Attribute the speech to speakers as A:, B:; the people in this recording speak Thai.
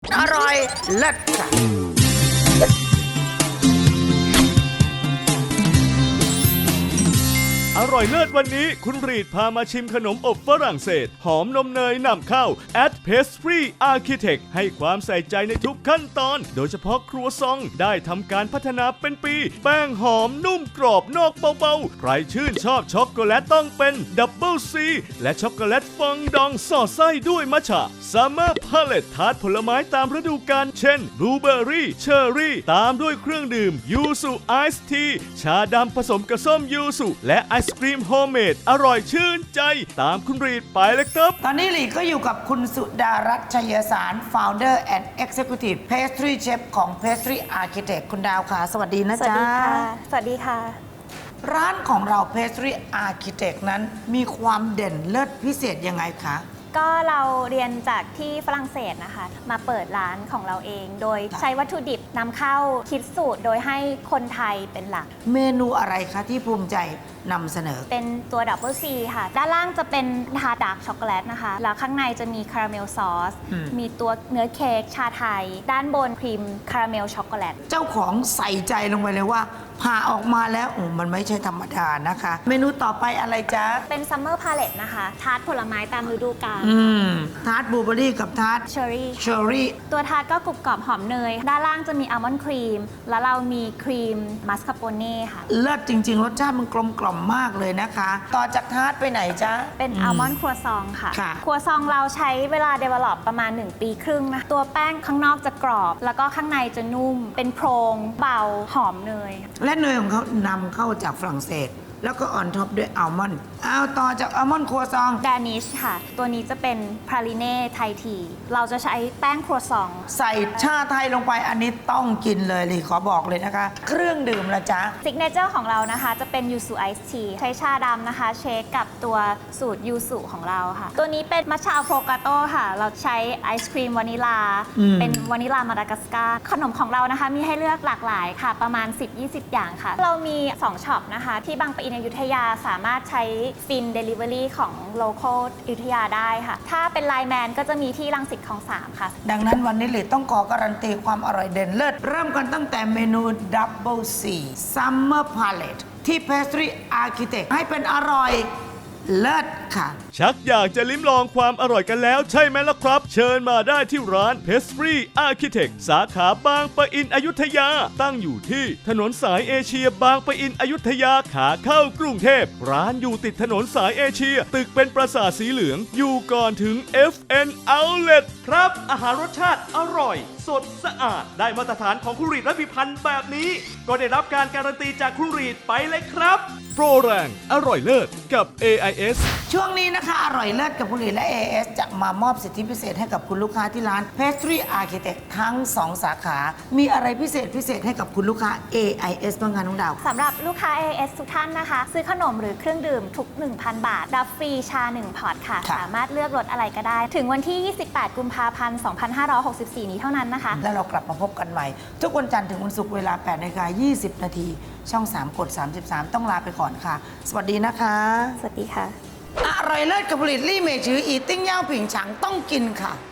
A: อร่อยเลิศค่ะ
B: อร่อยเลิศวันนี้คุณรีดพามาชิมขนมอบฝรั่งเศสหอมนมเนยนำเข้า at Pastry Architect ให้ความใส่ใจในทุกขั้นตอนโดยเฉพาะครัวซองได้ทำการพัฒนาเป็นปีแป้งหอมนุ่มกรอบนอกเบาๆใครชื่นชอบช็อกโกแลตต้องเป็นดับเบิลซีและช็อกโกแลตฟองดองสอดไส้ด้วยมัทฉะซัมเมอร์พาเลตทาร์ตผลไม้ตามฤดูกาลเช่นบลูเบอร์รี่เชอร์รี่ตามด้วยเครื่องดื่มยูสุไอซ์ทีชาดำผสมกับส้มยูสุและไอศกรีมโฮมเมดอร่อยชื่นใจตามคุณรีดไปเลยครับ
A: ตอนนี้หลีก็อยู่กับคุณสุดารัตน์ชัยสาร Founder and Executive Pastry Chef ของ Pastry Architect คุณดาวค่ะ สวัสดีนะ
C: สวัส
A: จ๊ะ
C: ดีค่ะ สวัสดีค่ะ
A: ร้านของเรา Pastry Architect นั้นมีความเด่นเลิศพิเศษยังไงคะ
C: ก็เราเรียนจากที่ฝรั่งเศสนะคะ มาเปิดร้านของเราเอง โดยใช้วัตถุดิบนำเข้าคิดสูตรโดยให้คนไทยเป็นหลัก
A: เมนูอะไรคะที่ภูมิใจนำเสนอ
C: เป็นตัวดับเบิลซีค่ะ ด้านล่างจะเป็นทาดาร์กช็อกโกแลตนะคะ แล้วข้างในจะมีคาราเมลซอส มีตัวเนื้อเค้กชาไทย ด้านบนครีมคาราเมลช็อกโกแลต
A: เจ้าของใส่ใจลงไปเลยว่าผ่าออกมาแล้วมันไม่ใช่ธรรมดานะคะ เมนูต่อไปอะไรจ๊ะ
C: เป็นซัมเมอร์พาเลตนะคะ ทาร์ตผลไม้ตามฤดูกาล
A: ทาร์ตบลูเบอร์รี่กับทาร์ต
C: เชอร์รี่
A: เชอร์รี่
C: ตัวทาร์ตก็กรุบกรอบหอมเนย ด้านล่างจะมีอัลมอนด์ครีม แล้วเรามีครีมมัสคาโปเน่ค่ะ
A: เลิศจริงๆ รสชาติมันกลมกล่อมมากเลยนะคะ ต่อจากทาร์ตไปไหนจ๊ะ
C: เป็นอัลมอนด์ครัวซองค่ะ
A: ค่ะ
C: ครัวซองเราใช้เวลา develop ประมาณ 1 ปีครึ่งนะ ตัวแป้งข้างนอกจะกรอบ แล้วก็ข้างในจะนุ่ม เป็นโพรงเบา หอมเนย
A: และเนยของเขานำเข้าจากฝรั่งเศส แล้วก็ออนท็อปด้วยอัลมอนด์เอาต่อจากอัลมอนด์ครัวซอง
C: ดานิชค่ะ ตัวนี้จะเป็นพราลิเน่ไทยที เราจะใช้แป้งครัวซอง
A: ใส่ชาไทยลงไปอันนี้ต้องกินเลยลีขอบอกเลยนะคะ เครื่องดื่มละจ๊ะ
C: ซิกเนเจอร์ของเรานะคะจะเป็นยูสุไอซ์ทีใช้ชาดำนะคะ เชคกับตัวสูตรยูสุของเราค่ะ ตัวนี้เป็นมัทฉะอะโฟกาโต้ค่ะ เราใช้ไอศครีมวานิลา เป็นวานิลามาดากัสการ์ขนมของเรานะคะ มีให้เลือกหลากหลายค่ะ ประมาณ 10-20 อย่างค่ะ เรามี 2ช็อปนะคะ ที่บางปะอินอยุธยาสามารถใช้ฟินเดลิเวอรี่ของโลคอลอยุธยาได้ค่ะ ถ้าเป็นไลน์แมนก็จะมีที่รังสิตคลอง 3 ค่ะ
A: ดังนั้นวันนี้ลีต้องขอการันตีความอร่อยเด่นเลิศเริ่มกันตั้งแต่เมนู Double C Summer Palette ที่ Pastry Architect ให้เป็นอร่อยเลิศค่ะ
B: ชักอยากจะลิ้มลองความอร่อยกันแล้วใช่ไหมล่ะครับ เชิญมาได้ที่ร้าน Pastry Architect สาขาบางปะอินอยุธยา ตั้งอยู่ที่ถนนสายเอเชียบางปะอินอยุธยาขาเข้ากรุงเทพร้านอยู่ติดถนนสายเอเชียตึกเป็นปราสาทสีเหลืองอยู่ก่อนถึง FN Outlet ครับ อาหารรสชาติอร่อย สดสะอาดได้มาตรฐานของคุณรีดและพิพันธ์แบบนี้ ก็ได้รับการการันตีจากคุณรีดไปเลยครับ โปรแรงอร่อยเลิศกับ AIS
A: ช่วงนี้นะคะอร่อยเลิศกับคุณหลีและ AS จะมามอบสิทธิพิเศษให้กับคุณลูกค้าที่ร้าน Pastry Architect ทั้ง 2 สาขา มีอะไรพิเศษให้กับคุณลูกค้า AIS บ้างคะน้องดาว
C: สำหรับลูกค้า AIS ทุกท่านนะคะ ซื้อขนมหรือเครื่องดื่มทุก 1,000 บาท รับฟรีชา 1 พอร์ตค่ะ
A: ค่ะ
C: สามารถเลือกรสอะไรก็ได้ ถึงวันที่ 28 กุมภาพันธ์ 2564 นี้เท่านั้นนะคะ
A: แล้วเรากลับมาพบกันใหม่ ทุกวันจันทร์ถึงวันศุกร์เวลา 8:20 น.ช่อง 3 กด 33 ต้องลาไปก่อนค่ะ สวัสดีนะคะ
C: สวัสดีค่ะ
A: อร่อยเลิศกับผลิตลี่เมจืออีติ้งเย่าผิงฉังต้องกินค่ะ